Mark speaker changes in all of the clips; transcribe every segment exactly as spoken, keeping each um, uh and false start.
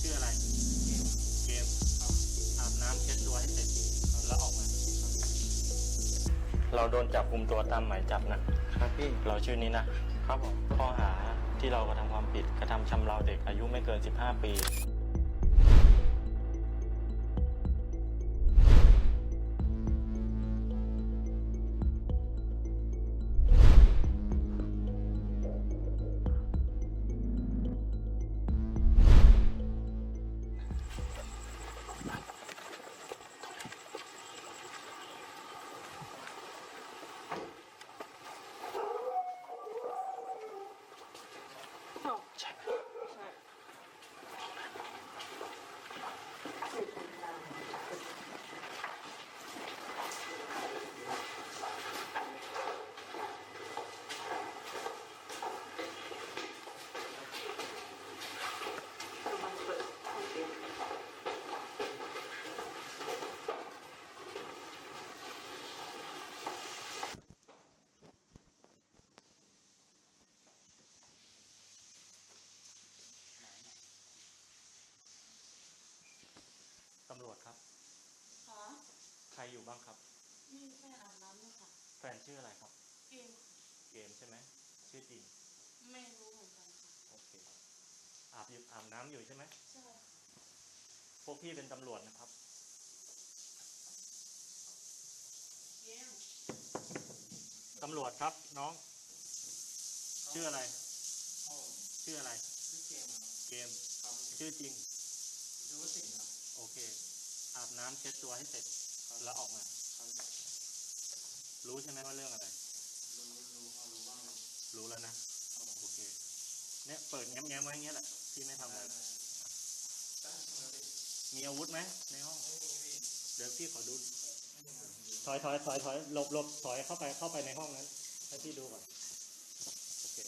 Speaker 1: ชื่ออะไรเกมอาบน้ำเช็ดตัวให้เสร็จแล้วออกมาเราโดนจับกุมตัวตามหมายจับนะครับพี่เราชื่อนี้นะครับผมข้อหาที่เรากระทำความผิดกระทำชำเราเด็กอายุไม่เกินสิบห้าปีใช่ไหม
Speaker 2: ใช่
Speaker 1: ตำรวจครับ
Speaker 2: ค่ะ
Speaker 1: ใครอยู่บ้างครับ
Speaker 2: นี่แม่อาบน้ำเลยค่ะ
Speaker 1: แฟนชื่ออะไรครับ
Speaker 2: เกม
Speaker 1: เกมใช่ไหมชื่อจริง
Speaker 2: ไม่รู้เหมือนกันค่ะ
Speaker 1: โอเคอาบอยู่อาบน้ำอยู่ใช่ไหม
Speaker 2: ใช่
Speaker 1: พวกพี่เป็นตำรวจนะครับ
Speaker 2: เกม
Speaker 1: ตำรวจครับน้องชื่ออะไรชื่ออะไร
Speaker 3: ชื่อเกมครับ
Speaker 1: เกม
Speaker 3: ครับ
Speaker 1: ชื่อจริง
Speaker 3: ชื่อว่าสิงห์ครับ
Speaker 1: โอเคอาบน้ำเช็ดตัวให้เสร็จแล้วออกมา
Speaker 3: ครับ
Speaker 1: รู้ใช่ไหมว่าเรื่องอะไร
Speaker 3: รู้รู้พอรู้บ้างครับ
Speaker 1: รู้แล้วนะโอเคเนี่ยเปิดแง้มๆไว้อย่างเงี้ยแหละที่ไม่ทำอะไรมีอาวุธไหมในห้องเดี๋ยวพี่ขอดูถอยถอยถอยถอยหลบหลบถอยเข้าไปเข้าไปในห้องนั้นให้พี่ดูก่อนโอเค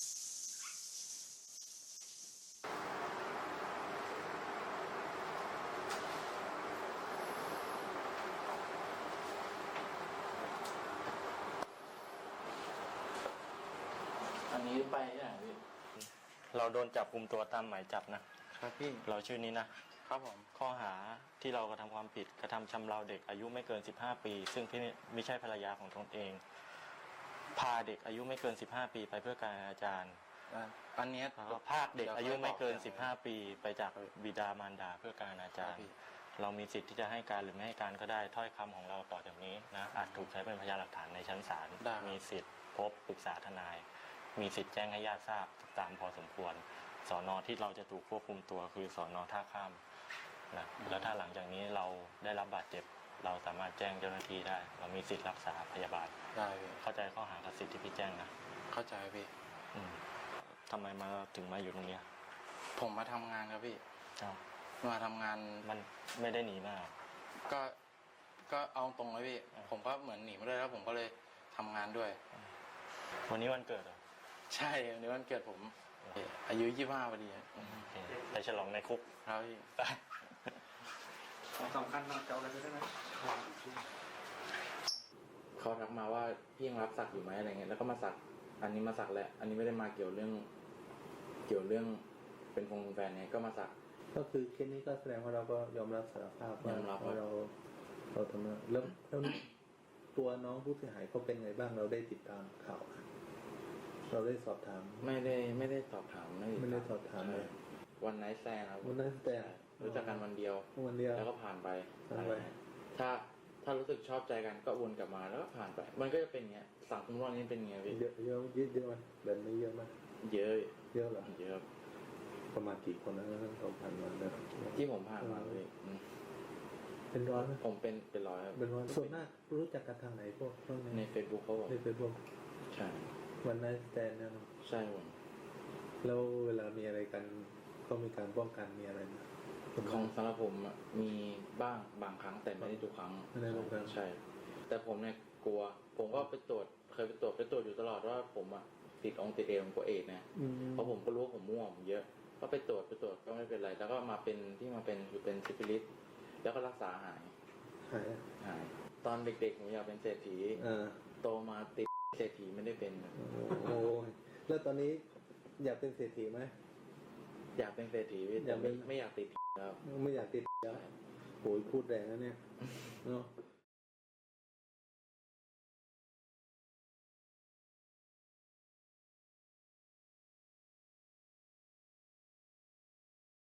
Speaker 3: อันนี้ไปที่ไหนพี่
Speaker 1: เราโดนจับกุมตัวตามหมายจับนะครับ
Speaker 3: พี่
Speaker 1: เราชื่อนี้นะครับ
Speaker 3: ผม
Speaker 1: ข้อหาที่เรากระทำความผิดกระทำชำเราเด็กอายุไม่เกินสิบห้าปีซึ่งพี่ไม่ใช่ภรรยาของตนเองพาเด็กอายุไม่เกินสิบห้าปีไปเพื่อการอนาจาร
Speaker 3: อันนี้
Speaker 1: พาเด็กอายุไม่เกินสิบห้าปีไปจากบิดามารดาเพื่อการอนาจารเรามีสิทธิ์ที่จะให้การหรือไม่ให้การก็ได้ถ้อยคำของเราต่อจากนี้นะอาจถูกใช้เป็นพยานหลักฐานในชั้นศาลมีสิทธิ์พบปรึกษาทนายมีสิทธิ์แจ้งให้ญาติทราบตามพอสมควรสอนอที่เราจะถูกควบคุมตัวคือสอนอท่าข้ามนะแล้วถ้าหลังจากนี้เราได้รับบาดเจ็บเราสามารถแจ้งเจ้าหน้าที่ได้เรามีสิทธิ์รักษาพยาบาล
Speaker 3: ได้พี่
Speaker 1: เข้าใจข้อหากับสิทธิ์ที่พี่แจ้งนะ
Speaker 3: เข้าใจพี่
Speaker 1: อืมทำไมมาถึงมาอยู่ตรงนี้
Speaker 3: ผมมาทำงานครับพี่มาทำงาน
Speaker 1: มันไม่ได้หนีมา
Speaker 3: ก็ก็เอาตรงเลยพี่ผมก็เหมือนหนีมาด้วยแล้วผมก็เลยทำงานด้วย
Speaker 1: วันนี้วันเกิดเหรอ
Speaker 3: ใช่วันนี้วันเกิดผมอายุยี่สิบห้าพอดี
Speaker 1: ไปฉลองในคุก
Speaker 3: ครับพี่
Speaker 1: สำคัญมากเจ้าอะไรได้ไหม
Speaker 3: เขาทักมาว่าพี่ยังรับสักอยู่ไหมอะไรเงี้ยแล้วก็มาสักอันนี้มาสักแหละอันนี้ไม่ได้มาเกี่ยวเรื่องเกี่ยวเรื่องเป็นคงแฟนเนี่ยก็มาสัก
Speaker 4: ก็คือเคสนี้ก็แสดงว่าเราก็ยอมรับสารภาพว่าเราเราทำแล้วแล้วตัวน้องผู้เสียหายเขาเป็นไงบ้างเราได้ติดตามข่าวเราได้สอบถาม
Speaker 3: ไม่ได้ไม่ได้สอบถาม
Speaker 4: ไม่ได้สอบถามเลย
Speaker 3: วันไนท์แซนครับ
Speaker 4: วันไนท์แซน
Speaker 3: รู้จักกันวันเดียว
Speaker 4: วันเดียว
Speaker 3: แล้วก็ผ่านไปถ้าถ้ารู้สึกชอบใจกันก็วนกลับมาแล้วก็ผ่านไปมันก็จะเป็นเงี้ยสังคมรอบนี้เป็นเงี้ย
Speaker 4: เยอะเยอะเยอะเยอะมั้ยแบบนี้เยอะมั้ย
Speaker 3: เยอะ
Speaker 4: เยอะเหรอ
Speaker 3: เยอะ
Speaker 4: ประมาณกี่คนนะทั้งสองพันวันนะ
Speaker 3: ที่ผมผ่านมาเลย
Speaker 4: เป็นร้อยไหม
Speaker 3: ผมเป็นเป็นร้อย
Speaker 4: เป็นร้อยส่วนมากรู้จักกันทางไหนพวก
Speaker 3: ในเฟซบุ๊กเขาบอก
Speaker 4: ในเฟซบุ๊ก
Speaker 3: ใช่
Speaker 4: วันไนท์สแตนนะ
Speaker 3: ใช่ผม
Speaker 4: แล้วเวลามีอะไรกันก็มีการป้องกันมีอะไรนะ
Speaker 3: ของสำหรับผมมีบ้างบางครั้งแต่ไม่ได้ทุกครั้ง
Speaker 4: ไม่ได้ทุกครั้ง
Speaker 3: ใช่แต่ผมเนี่ยกลัวผมก็ไปตรวจเคยไปตรวจไปตรวจอยู่ตลอดว่าผมอ่ะติดองติดเอวกว่าเอดนะเพราะผมก็รู้ว่าผมม่วงเยอะก็ไปตรวจไปตรวจก็ไม่เป็นไรแล้วก็มาเป็นที่มาเป็นคือเป็นซิฟิลิสแล้วก็รักษาหาย
Speaker 4: หาย
Speaker 3: หายตอนเด็กๆผมอยากเป็นเศรษฐีโตมาติดเศรษฐีไม่ได้เป็น
Speaker 4: โอ้แล้วตอนนี้อยากเป็นเศรษฐีไหม
Speaker 3: อยากเป็นเศรษฐีแต่ไม่ไม่อยากติดครับ
Speaker 4: ไม่อยากติดแล้วโอ้ยพูดแรงนะเนี่ยเนาะ